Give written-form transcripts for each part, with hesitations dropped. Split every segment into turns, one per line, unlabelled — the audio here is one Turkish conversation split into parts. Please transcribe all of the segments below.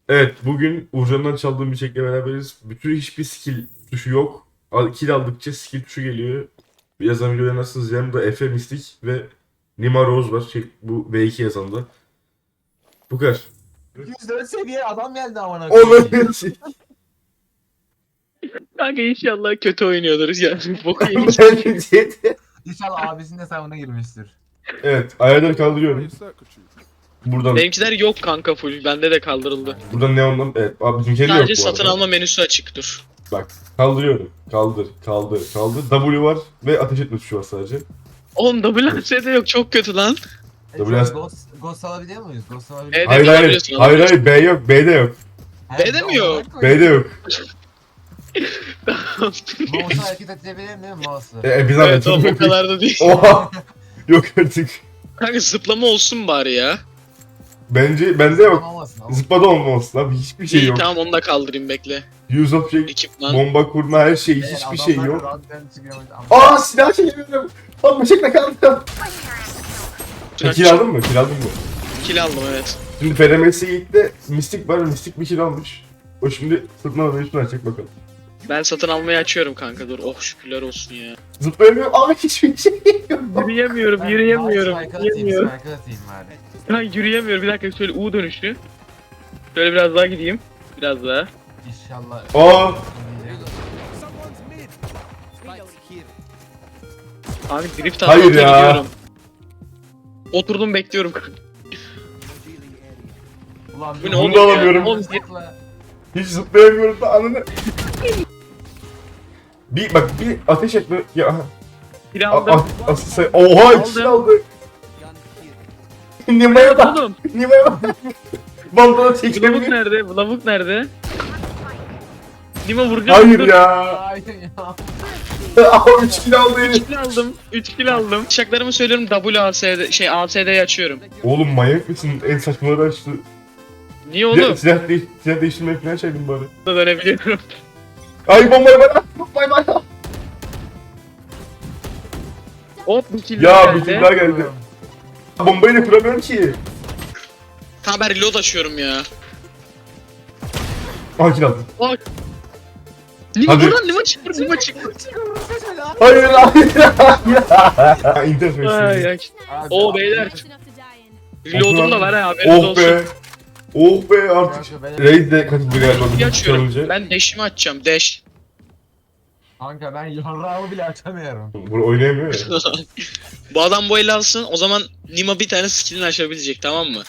Evet, bugün Uğurcan'dan çaldığım bir çekle beraberiz. Bütün hiçbir skill tuşu yok. Kill aldıkça skill tuşu geliyor. Yazan videoları nasılsınız? Yanımda Efe Mistik ve Nima Rose var. Bu V2 yazanda. Bu kadar.
104 seviye adam geldi amına
Onun
koyayım.
için.
Kanka inşallah kötü oynuyordur yani. Boku yemiş.
İnşallah abisinin hesabına girmiştir.
Evet, ayarları kaldırıyorum. Buradan,
Benimkiler yok kanka full. Bende de kaldırıldı.
buradan neondan, evet, abi bizimkileri de yok
Sadece
bu
satın
arada.
alma menüsü açık dur.
Bak, kaldırıyorum. Kaldır. W var ve ateş etme tuşu var sadece.
Oğlum WS'de yok çok kötü lan.
Biraz-
Ghost alabiliyor muyuz? Ghost alabiliyor
Evet.
muyuz?
Hayır,
alabiliyorsun,
hayır,
alabiliyorsun.
B yok, B'de yok.
B'de mi yok?
B'de yok.
Mouse'u hareket edebilirim değil mi mouse'u?
Biz
Evet o kadar da değil.
Oha! Yok artık.
Kanka zıplama olsun bari ya.
Bence bende yok.
Olmasın ama.
Zıplada olmasın abi, hiçbir şey
İyi
yok.
tamam onu da kaldırayım bekle.
Use of check,
Ekipman.
bomba kurma, her şey,
Evet,
hiçbir şey
adamlar
yok.
radyodan çıkıyormuş ama-
Aa, silah çekemiyorum. Lan bıçakla kaldım. Kill aldın mı? Kill aldın mı?
Kill aldım evet.
Şimdi FRMS Yiğit'te Mystic var, Mystic bir kill almış. O şimdi sırtına da üstüne açacak bakalım.
Ben satın almayı açıyorum kanka dur. Oh şükürler olsun ya.
Zıplayamıyor ama hiçbir şey yok.
Yürüyemiyorum,
Ben
yürüyemiyorum.
mouse strike'ı atayım,
Yürüyemiyorum.
strike'ı atayım bari.
Ben yürüyemiyorum. Bir dakika şöyle U dönüşü. Şöyle biraz daha gideyim. Biraz daha.
İnşallah.
Aa!
Abi drift
Hayır
atmaya
ya.
gidiyorum. Oturdum bekliyorum.
Ulan
Bu ne
bir-
oğlum
da
ya?
alamıyorum.
Oğlum,
Hiç zıplayamıyorum da anını. Bir ateş etme ya.
kill aldım.
Asıl say. Oha, ikisi aldı. Nima'ya bak.
Oğlum
Nima'ya bak. Bandana
bu lavuk
çekemiyor.
nerede? Bu lavuk nerede? Dima vuracağım.
Hayır
dur.
ya.
Hayır ya.
Abi 3 kilo aldı herif.
3 kill aldım. 3 kill aldım. Şaklarımı söylüyorum WASD ASD'yi açıyorum.
Oğlum manyak mısın? En saçmaları açtı.
Niye oğlum?
Silah değiştirmeye falan çektim bari.
Da dönebiliyorum.
Ay, bombayı bana. Bombayı bana.
Hop bir kill
Ya
daha
bir
geldi.
kill daha geldi. Bombayı da kuramıyorum ki.
Tamam ben reload açıyorum ya.
Aha, kill aldım.
Bak. Lima
Hadi.
buradan Lima çıktı. Lima çıktı.
Hayır, hayır, hayır. İnternet
Ay
meşhur.
ay.
Abi,
Oo
abi,
beyler.
Close enough to die in.
Reload'um da var ha haberiniz
Oh
olsun.
be. Oh be artık.
Kanka, benim-
Raid de katıldı galiba.
Bir açıyorum.
Önce.
Ben dash'imi açacağım. Dash.
Kanka ben yarrağımı bile açamıyorum.
Bunu oynayamıyor ya.
Bu adam bu eli alsın. O zaman Nima bir tane skillini açabilecek tamam mı?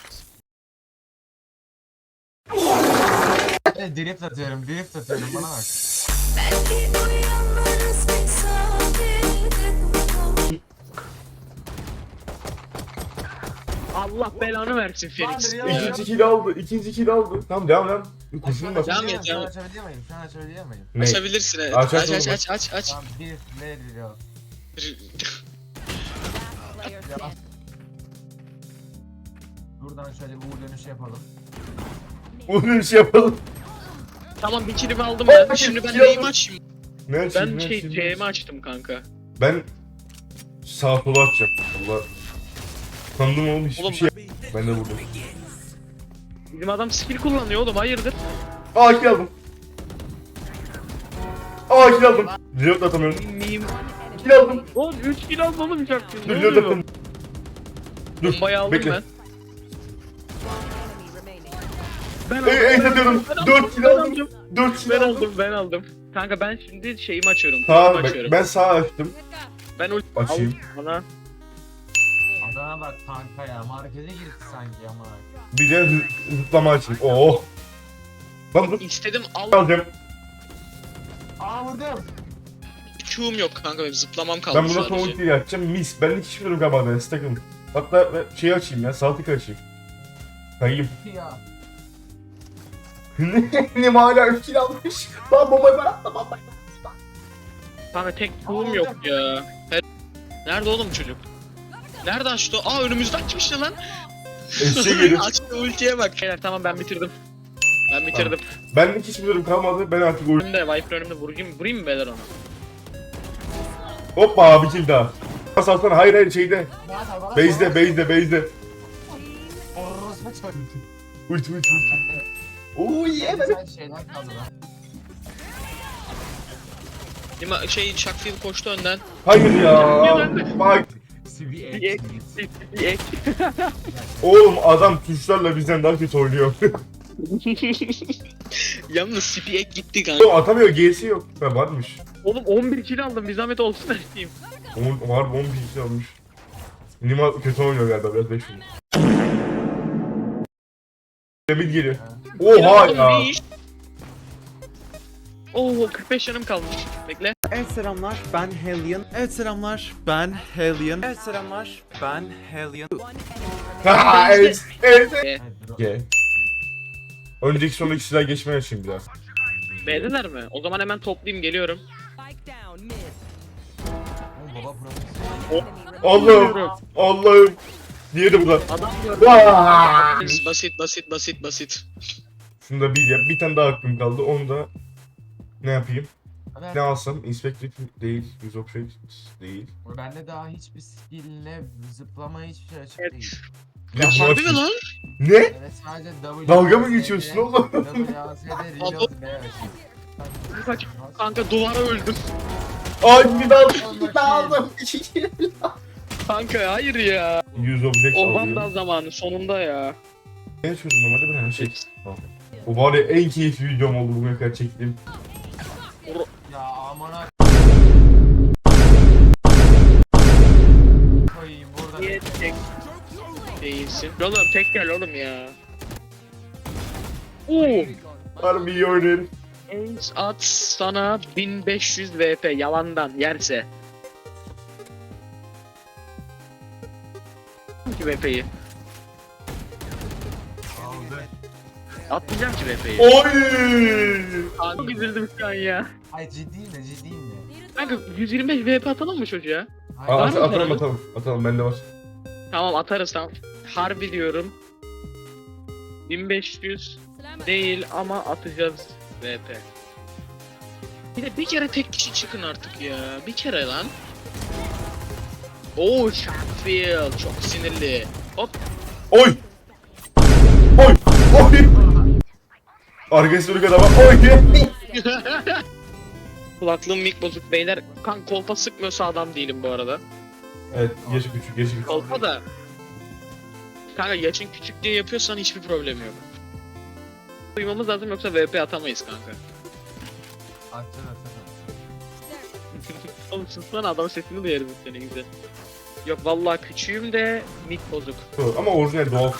Drift atıyorum bana bak.
Allah belanı versin Felix.
Lan, ya.
İkinci kill aldı. İkinci kill aldı. Tamam, devam. Kurşun bak.
Devam et,
Şu an
devam et.
açabiliyor muyum? Şu an açabiliyor muyum?
Ne?
Açabilirsin evet.
Aç,
Aç
aç,
aç aç aç.
Tamam bir ne diyor?
Player
Ya.
dead.
Buradan şöyle bir dönüş yapalım.
Bunu bir şey yapalım.
Tamam bir killimi aldım ben.
Bak,
Şimdi ben
kill
neyimi
aldım.
açayım?
Ne açayım,
Ben
ne
şey
açayım?
C'mi açtım kanka.
Ben sağ sola atacağım. Allah. Sandım oğlum, hiçbir
Oğlum,
şey. Ben de vurdum.
Bizim adam skill kullanıyor oğlum hayırdır?
Aa, kill aldım. Aa, kill aldım. Reload atamıyorum.
Miyim?
Kill aldım.
Oğlum 3 kill aldım oğlum çaktım. Ne
Reload
oluyor?
atamıyorum. Dur.
Bombayı aldım
Bekle.
ben.
Enemy remaining.
Ben
Ey satıyorum. 4 kill aldım. 4 kill
Ben
aldım.
aldım ben aldım. Kanka ben şimdi şeyimi açıyorum.
Sağ,
ultimi açıyorum.
ben sağ açtım.
Ben
Açayım.
Bana.
Adana bak kanka ya markete girdi sanki ama.
Bir de zıplama açayım. Oh. Lan dur.
İstedim
Alacağım.
Aa vurdum.
Q'um yok kanka benim zıplamam kaldı
Ben buna son
sadece.
ultiyi açacağım. Mis. Ben hiç bilmiyorum galiba ben stack'ım. Hatta ben şeyi açayım ya. Sağ tık açayım. Kayayım.
Ya.
Ne hala 3 kill almış. Lan bombayı bana atma, bombayı.
Kanka tek Q'um yok ya. Nerede oğlum çocuk? Nerede açtı? Aa önümüzde açmış ne lan?
Eşeğe gelin.
Açtı ultiye bak. Beyler tamam ben bitirdim. Ben bitirdim.
Benlik hiçbir durum kalmadı. Ben artık oyun...
Önümde Viper önümde vurayım mı beyler ona?
Hoppa, bir kill daha. Pas alsana. Hayır şeyde. Base'de.
Orospu çocuğu.
Ulti. Oo
En güzel şeyler kaldı lan.
Chuckfield koştu önden.
Hayır ya. Bak.
CV
Bir ek.
Oğlum adam tuşlarla bizden daha kötü oynuyor.
Yalnız Spiek gitti kanka.
Oğlum atamıyor, G'si yok. Ha varmış.
Oğlum 11 kill aldım. Bir zahmet olsun her şeyim.
Var 11 kişi almış. Nima kötü oynuyor galiba, biraz 5 vurmuş. Demir geliyor. Oha
Oğlum,
ya.
ne iş? Oo 45 canım kalmış. Bekle.
Evet selamlar ben Hellion. Evet selamlar ben Hellion. Evet selamlar ben Hellion.
Ha evet. Evet.
Evet, dur.
G. Önceki sonraki silah geçmeye şimdi biraz.
Beğendiler mi? O zaman hemen toplayayım geliyorum.
Oğlum baba profesyonel.
Allah'ım. Allah'ım. Diğeri bu lan.
Adam gördüm.
Vaa!
Basit.
Şunu da bir yap. Bir tane daha hakkım kaldı. Onu da ne yapayım?
Evet.
Ne alsam? Inspected değil. Use object değil.
Bende daha hiçbir skill'le zıplama hiçbir şey açık
Evet.
değil.
Bir de bunu
Harbi mi
açayım.
lan?
Ne?
Evet sadece W.
Dalga mı geçiyorsun oğlum?
WASD reload B açık.
Kanka duvara öldüm.
Ay bir daha aldım. Bir daha aldım.
Kanka hayır ya.
Use object
O
alayım.
Vandal zamanı sonunda ya.
Ne açıyordum normalde ben her şey. Tamam. O var ya en keyifli videom oldu bugüne kadar çektiğim.
Ya amına koyayım burada.
Niye tek değilsin? Oğlum tek gel oğlum ya. Oo.
Harbi iyi oynayın.
Ace at sana 1500 VP yalandan yerse. Ki VP'yi.
Aldı.
Atmayacağım ki VP'yi.
Oy!
Çok üzüldüm şu an ya.
Ay ciddiyim de.
Kanka 125 VP atalım mı çocuğa?
Hayır,
Var mı
Atalım
paranız?
atalım. Atalım bende var.
Tamam atarız tamam. Harbi diyorum. 1500 değil ama atacağız VP. Bir de bir kere tek kişi çıkın artık ya. Bir kere lan. Oo Sheffield çok sinirli. Hop.
Oy! Oy! Oy! Arkadaşlar kadar bak. Oy!
Kulaklığım mik bozuk beyler. Kan kolpa sıkmıyorsa adam değilim bu arada.
Evet, yaşı küçük, yaşı küçük.
Kolpa da. Kanka yaşın küçük diye yapıyorsan hiçbir problem yok. Duymamız lazım yoksa VP atamayız kanka.
Atacağız.
Oğlum sussana adam sesini duyarız seni güzel. Yok vallahi küçüğüm de mik bozuk.
Ama orijinal doğal.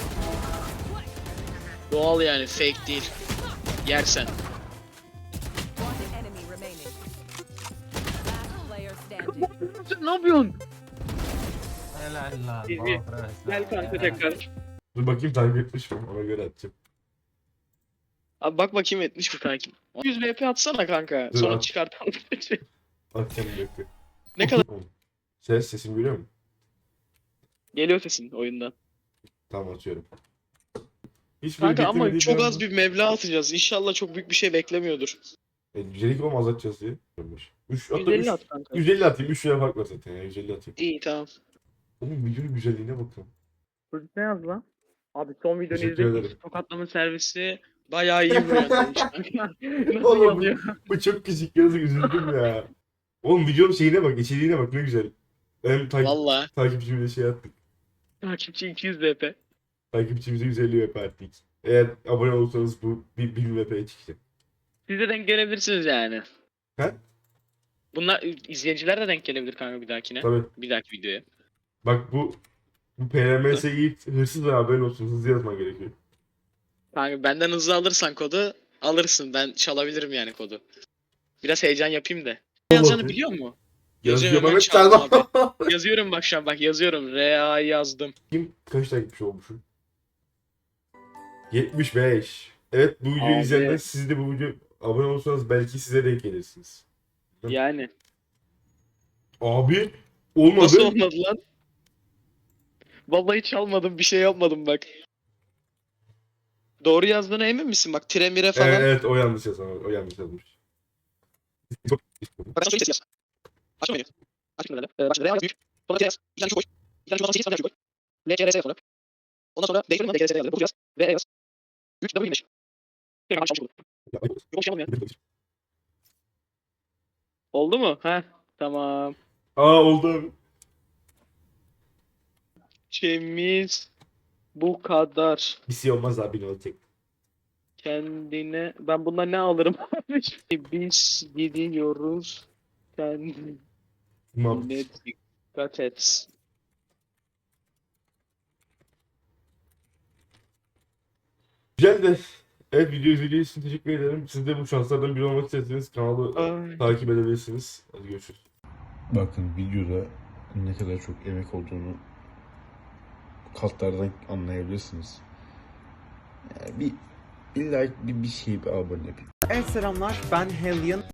Doğal yani fake değil. Yersen.
Enemy remaining. Last player standing.
Sen ne yapıyorsun?
Helal lan.
İyi,
baba
iyi.
profesyonel.
Gel kanka
Helal.
tekrar.
Dur bakayım takip etmiş mi? Ona göre atacağım.
Abi bak bakayım etmiş mi takip. 100 VP atsana kanka.
Dur,
Sonra
at.
çıkartalım.
Atacağım bir dakika.
Ne kadar
Sesim görüyor musun?
geliyor sesin oyundan.
Tamam atıyorum. Hiç
Kanka ama
beklemediğim
çok
bir
az bir meblağ atacağız. İnşallah çok büyük bir şey beklemiyordur.
Yücelik olmaz atacağız diye. 3 hatta
150
3,
at kanka.
150 atayım. 3 lira fark var zaten ya. 150 atayım.
İyi tamam.
Oğlum videonun güzelliğine bakın.
Çocuk ne yazdı lan? Abi son videonu
Teşekkür
izledim.
ederim.
Tokatlama servisi bayağı iyi vuruyor. Nasıl
Oğlum
yazıyor?
bu çok küçük yazık, üzüldüm ya. Oğlum videonun şeyine bak, içeriğine bak ne güzel. Hem
Valla.
takipçimize şey attık.
Takipçi 200 VP.
Takipçimize 150 VP attık. Eğer abone olursanız bu 1000 VP'ye çıkacak.
Siz de denk gelebilirsiniz yani.
He?
Bunlar izleyiciler de denk gelebilir kanka bir dahakine.
Tabii.
Bir dahaki videoya.
Bak bu PRMS Yiğit hırsız da haberin olsun. Hızlı yazman gerekiyor.
Kanka benden hızlı alırsan kodu alırsın. Ben çalabilirim yani kodu. Biraz heyecan yapayım da. Ne yazacağını biliyor musun?
Yazıyor
hemen
Mehmet
çaldım
Çalma.
Yazıyorum bak şu an bak yazıyorum. R.A. yazdım.
Kim kaç takipçi olmuşum? 75. Evet bu videoyu
Abi.
izleyenler siz de bu video abone olursanız belki size denk gelirsiniz.
Yani.
Abi olmadı.
Nasıl olmadı lan? Vallahi çalmadım bir şey yapmadım bak. Doğru yazdığına emin misin? Bak tire mire falan.
Evet, evet o yanlış yazmış. O yanlış yazmış.
Bak sen şöyle yaz. Açma beni. Açma beni. Bak şimdi R büyük. Sonra T yaz. İki tane şu boy. İki tane şu 8 tane şu boy. L, C, R, S yaz sonra. Ondan sonra D sonra D, C, R yazdı. Bu yaz. V, E yaz. 3, W 25. Yok şey olmuyor. Oldu mu? Heh. Tamam.
Aa oldu abi.
Temiz. Bu kadar.
Bir şey olmaz abi ne olacak?
Kendine... Ben bundan ne alırım? Biz gidiyoruz. Kendine
Tamam.
dikkat et.
Güzel de. Evet video izlediğiniz için teşekkür ederim. Siz de bu şanslardan biri olmak isterseniz kanalı
Ay.
takip edebilirsiniz. Hadi görüşürüz.
Bakın videoda ne kadar çok emek olduğunu kartlardan anlayabilirsiniz. Yani bir like, bir şey, bir abone.
Evet selamlar, ben Hellion.